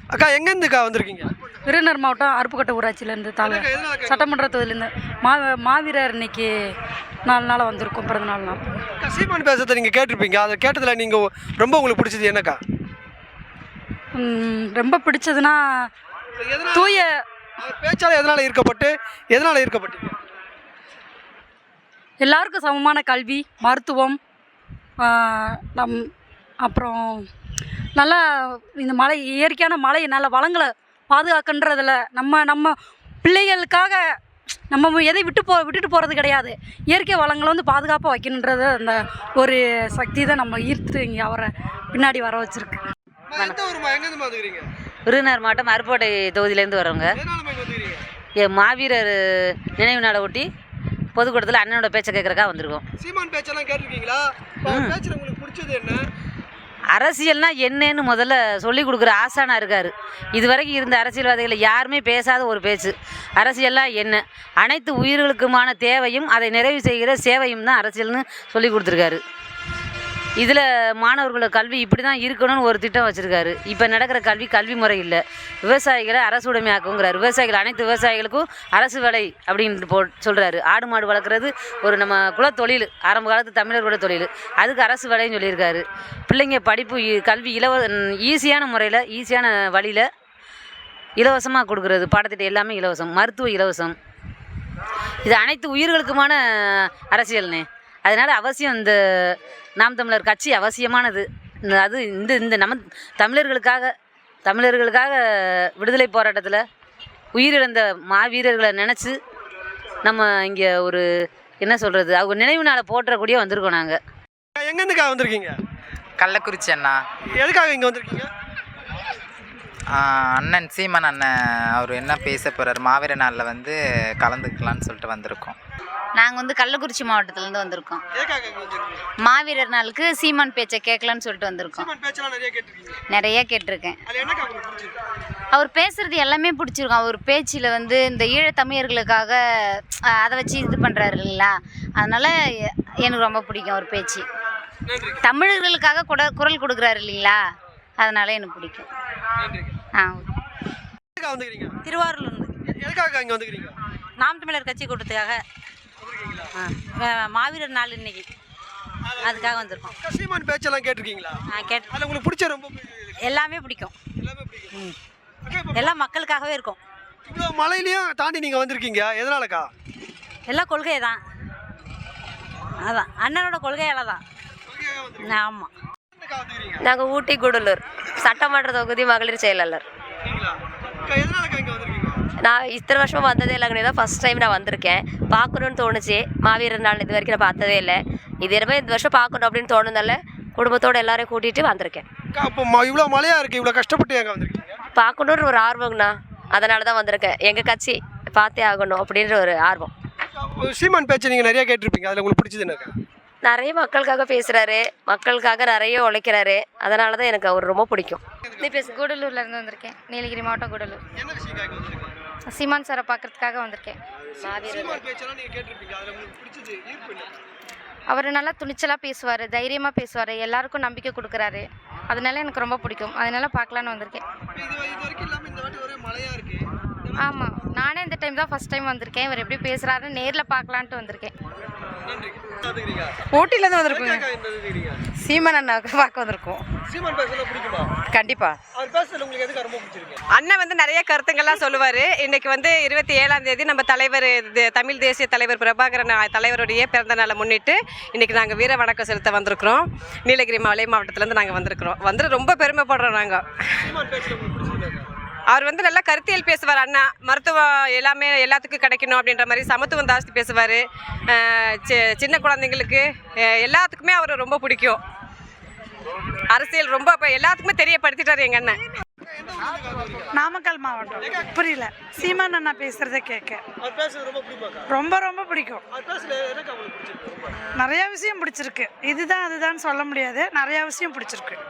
அக்கா எங்கேருந்துக்கா வந்திருக்கீங்க? விருதுநகர் மாவட்டம் அருப்புக்கோட்டை ஊராட்சியிலேருந்து சட்டமன்ற தொகுதியிலேருந்து மாவீரர் இன்னைக்கு 4 நாளாக வந்திருக்கோம், பிறந்த நாள். அக்கா சீமான் பேசுறதை நீங்கள் கேட்டிருப்பீங்க. அதை கேட்டதில் நீங்கள் ரொம்ப உங்களுக்கு பிடிச்சது என்னக்கா? ரொம்ப பிடிச்சதுன்னா தூய பேச்சால் எதனால் ஈர்க்கப்பட்டீங்க? எல்லாருக்கும் சமமான கல்வி, மருத்துவம், அப்புறம் நல்லா இந்த மலை, இயற்கையான மலை, நல்ல வளங்களை பாதுகாக்கின்றதில் நம்ம பிள்ளைகளுக்காக நம்ம எதை விட்டுட்டு போகிறது கிடையாது. இயற்கை வளங்களை வந்து பாதுகாப்பாக வைக்கணுன்றது அந்த ஒரு சக்தி தான் நம்ம ஈர்த்து இங்கே அவரை பின்னாடி வர வச்சுருக்கு. விருதுநகர் மாவட்டம் அருப்புக்கோட்டை தொகுதியிலேருந்து வரோங்க. மாவீரர் நினைவு நாளை ஒட்டி பொதுக்கூட்டத்தில் அண்ணனோட பேச்சை கேட்குறக்கா வந்திருக்கோம். சீமான் பேச்செல்லாம் கேட்டிருக்கீங்களா? பேச்சில் உங்களுக்கு பிடிச்சது என்ன? அரசியல்னா என்னன்னு முதல்ல சொல்லி கொடுக்குற ஆசானாக இருக்கார். இது வரைக்கும் இருந்த அரசியல்வாதிகளை யாருமே பேசாத ஒரு பேச்சு. அரசியல்லாம் என்ன, அனைத்து உயிர்களுக்குமான தேவையும் அதை நிறைவு செய்கிற சேவையும் தான் அரசியல்னு சொல்லி கொடுத்துருக்காரு. இதில் மாணவர்களோட கல்வி இப்படி தான் இருக்கணும்னு ஒரு திட்டம் வச்சுருக்காரு. இப்போ நடக்கிற கல்வி முறை இல்லை. விவசாயிகளை அரசு உடைமையாக்குங்கிறார். அனைத்து விவசாயிகளுக்கும் அரசு வேலை அப்படின்னு சொல்கிறாரு. ஆடு மாடு வளர்க்குறது ஒரு நம்ம குலத்தொழில், ஆரம்ப காலத்து தமிழர்களோட தொழில். அதுக்கு அரசு வேலைன்னு சொல்லியிருக்காரு. பிள்ளைங்க படிப்பு கல்வி ஈஸியான முறையில், ஈஸியான வழியில் இலவசமாக கொடுக்குறது. பாடத்திட்டம் எல்லாமே இலவசம், மருத்துவ இலவசம். இது அனைத்து உயிர்களுக்குமான அரசியல்னே. அதனால் அவசியம் இந்த நாம் தமிழர் கட்சி அவசியமானது. அது இந்த நம்ம தமிழர்களுக்காக விடுதலை போராட்டத்தில் உயிரிழந்த மாவீரர்களை நினச்சி நம்ம இங்கே ஒரு என்ன சொல்கிறது, அவங்க நினைவு நாளை போற்றக்கூடிய வந்திருக்கோம். நாங்கள் எங்கேருந்துக்கா வந்திருக்கீங்க? கள்ளக்குறிச்சி அண்ணா. எதுக்காக இங்கே வந்திருக்கீங்க? அண்ணன் சீமான் அண்ணன் அவர் என்ன பேச போகிறார், மாவீர நாளில் வந்து கலந்துக்கலான்னு சொல்லிட்டு வந்திருக்கோம். நாங்கள் வந்து கள்ளக்குறிச்சி மாவட்டத்துலேருந்து வந்திருக்கோம். மாவீரர் நாளுக்கு சீமான் பேச்சை கேட்கலான்னு சொல்லிட்டு வந்திருக்கோம். நிறைய கேட்டிருக்கேன். அவர் பேசுகிறது எல்லாமே பிடிச்சிருக்கும். அவர் பேச்சில் வந்து இந்த ஈழத்தமிழர்களுக்காக அதை வச்சு இது பண்ணுறாரு இல்லைங்களா, அதனால் எனக்கு ரொம்ப பிடிக்கும் அவர் பேச்சு. தமிழர்களுக்காக குரல் கொடுக்குறாரு இல்லைங்களா, அதனால் எனக்கு பிடிக்கும். திருவாரூர்லேருந்து. நாம் தமிழர் கட்சி கூட்டத்துக்காக, மாவீரர் நாள் இன்னைக்கு, அதுக்காக வந்திருக்கோம். சீமான் பேச்செல்லாம் கேட்டிருக்கீங்களா? கேட்டு உங்களுக்கு பிடிச்ச ரொம்ப எல்லாமே பிடிக்கும். எல்லாம் மக்களுக்காகவே இருக்கும். இவ்வளோ மலையிலையும் தாண்டி நீங்கள் வந்திருக்கீங்க, எதனாலக்கா? எல்லாம் கொள்கை தான், அதான் அண்ணனோட கொள்கையால தான். ஆமாம். நாங்கள் ஊட்டி கூடலூர் சட்டமன்ற தொகுதி மகளிர் செயலாளர். நான் இத்தனை வருஷமாக வந்ததே இல்லைங்க, தான் ஃபஸ்ட் டைம் நான் வந்திருக்கேன். பார்க்கணுன்னு தோணுச்சு. மாவீரர் நாள் இது வரைக்கும் நான் பார்த்ததே இல்லை. இது எல்லாமே இந்த வருஷம் பார்க்கணும் அப்படின்னு தோணுனால குடும்பத்தோடு எல்லாரையும் கூட்டிகிட்டு வந்திருக்கேன். இவ்வளோ மழையாக இருக்குது, இவ்வளோ கஷ்டப்பட்டு எங்கே வந்திருக்கீங்க? பார்க்கணுன்ற ஒரு ஆர்வங்கண்ணா, அதனால தான் வந்திருக்கேன். எங்கள் கட்சி பார்த்தே ஆகணும் அப்படின்ற ஒரு ஆர்வம். சீமான் பேச்சை நீங்கள் நிறையா கேட்டிருப்பீங்க, அதில் உங்களுக்கு பிடிச்சது என்னக்கா? நிறைய மக்களுக்காக பேசுகிறாரு, மக்களுக்காக நிறைய உழைக்கிறாரு. அதனால தான் எனக்கு அவர் ரொம்ப பிடிக்கும். கூடலூர்லேருந்து வந்திருக்கேன். நீலகிரி மாவட்டம் கூடலூர். சீமான் சாரை பார்க்கறதுக்காக வந்திருக்கேன். அவர் நல்லா துணிச்சலாக பேசுவார், தைரியமாக பேசுவார், எல்லாருக்கும் நம்பிக்கை கொடுக்குறாரு. அதனால எனக்கு ரொம்ப பிடிக்கும். அதனால பார்க்கலான்னு வந்திருக்கேன். ஆமாம், நானே இந்த டைம் தான் ஃபஸ்ட் டைம் வந்திருக்கேன். இவர் எப்படி பேசுகிறாருன்னு நேரில் பார்க்கலான்ட்டு வந்திருக்கேன். ஊட்டிலேருந்து வந்திருக்கோங்க. சீமான் அண்ணாவுக்கு பார்க்க வந்திருக்கோம். கண்டிப்பா அண்ணன் வந்து நிறைய கருத்துங்கள்லாம் சொல்லுவார். இன்னைக்கு வந்து 27ஆம் தேதி நம்ம தலைவர், தமிழ் தேசிய தலைவர் பிரபாகரன் தலைவருடைய பிறந்த நாளை முன்னிட்டு இன்னைக்கு நாங்கள் வீர வணக்கம் செலுத்த வந்திருக்கிறோம். நீலகிரி மாவட்டத்திலேருந்து நாங்கள் வந்திருக்கிறோம். ரொம்ப பெருமைப்படுறோம். நாங்கள் அவர் வந்து நல்லா கருத்தியல் பேசுவார். அண்ணா மருத்துவம் எல்லாமே எல்லாத்துக்கும் கிடைக்கணும் அப்படின்ற மாதிரி சமத்துவம் ஜாஸ்தி பேசுவார். சின்ன குழந்தைங்களுக்கு எல்லாத்துக்குமே அவர் ரொம்ப பிடிக்கும். அரசியல் ரொம்ப எல்லாத்துக்குமே தெரியப்படுத்திட்டார் எங்கள் அண்ணன். நாமக்கல் மாவட்டம். புரியல. சீமான் அண்ணா பேசுறதை கேட்க ரொம்ப ரொம்ப பிடிக்கும். நிறைய விஷயம் பிடிச்சிருக்கு. இதுதான் அதுதான் சொல்ல முடியாது, நிறைய விஷயம் பிடிச்சிருக்கு.